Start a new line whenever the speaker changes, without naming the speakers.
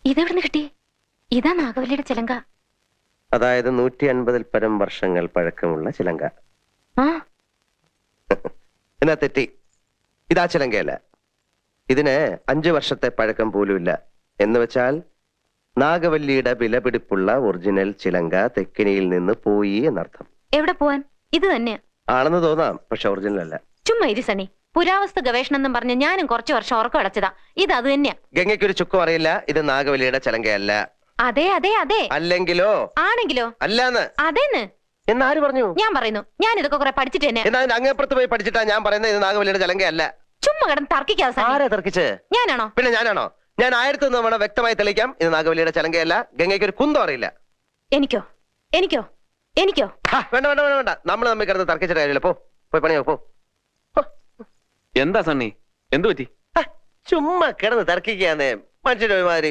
ഇതെവിടുന്ന് കിട്ടി? ഇതാ നാഗവല്ലിയുടെ ചിലങ്ക.
അതായത് 150 പരം വർഷങ്ങൾ പഴക്കമുള്ള ചിലങ്ക.
ആ
എന്നാ തെറ്റി. ഇതാ ചിലങ്കയല്ല. ഇതിന് 5 വർഷത്തെ പഴക്കം പോലുമില്ല. എന്ന് വെച്ചാൽ നാഗവല്ലിയുടെ വിലപിടിപ്പുള്ള ഒറിജിനൽ ചിലങ്ക തെക്കിനിയിൽ നിന്ന് പോയി എന്നർത്ഥം.
എവിടെ പോവാൻ? ഇത് തന്നെയാ
ആണെന്ന് തോന്നാം, പക്ഷെ ഒറിജിനൽ അല്ല.
ചുമ്മാ ഇരി സണ്ണി. പുരാവസ്തു ഗവേഷണം എന്നും പറഞ്ഞ് ഞാനും കുറച്ചു വർഷം ഉറക്കം അടച്ചതാ. ഇത് അത് തന്നെയാ.
ഗംഗയ്ക്കൊരു ചുക്കും അറിയില്ല. ഇത് നാഗവല്ലിയുടെ ചിലങ്കയല്ല.
അതെ അതെ അതെ.
അല്ലെങ്കിലോ?
ആണെങ്കിലോ?
അല്ലാന്ന്.
അതേന്ന്
എന്നാര് പറഞ്ഞു?
ഞാൻ പറയുന്നു. ഞാൻ ഇതൊക്കെ കുറെ പഠിച്ചിട്ട് തന്നെ.
എന്നാ അങ്ങേപ്പുറത്ത് പോയി പഠിച്ചിട്ടാ ഞാൻ പറയുന്നത് ഇത് നാഗവല്ലിയുടെ ചിലങ്കയല്ല.
ചുമ്മാ കിടന്ന് തർക്കിക്കാതെ സണ്ണി.
ആരാ തർക്കിച്ച്? ഞാനാണോ? പിന്നെ ഞാനാണോ? ഞാൻ 1001 തവണ വ്യക്തമായി തെളിയിക്കാം, ഇത് നാഗവല്ലിയുടെ ചിലങ്കയല്ല. ഗംഗയ്ക്ക് ഒരു കുന്തം അറിയില്ല.
എനിക്കോ? എനിക്കോ? എനിക്കോ?
വേണ്ട വേണ്ട വേണ്ട വേണ്ട. നമ്മൾ തമ്മിൽ കിടന്ന് തർക്കിച്ചിട്ട് കാര്യമില്ല. പോയി പണിയോ പോ.
എന്താ സണ്ണി, എന്തു പറ്റി?
ചുമ്മാ കിടന്ന് തർക്കിക്കാന്നേ മനുഷ്യരുടെ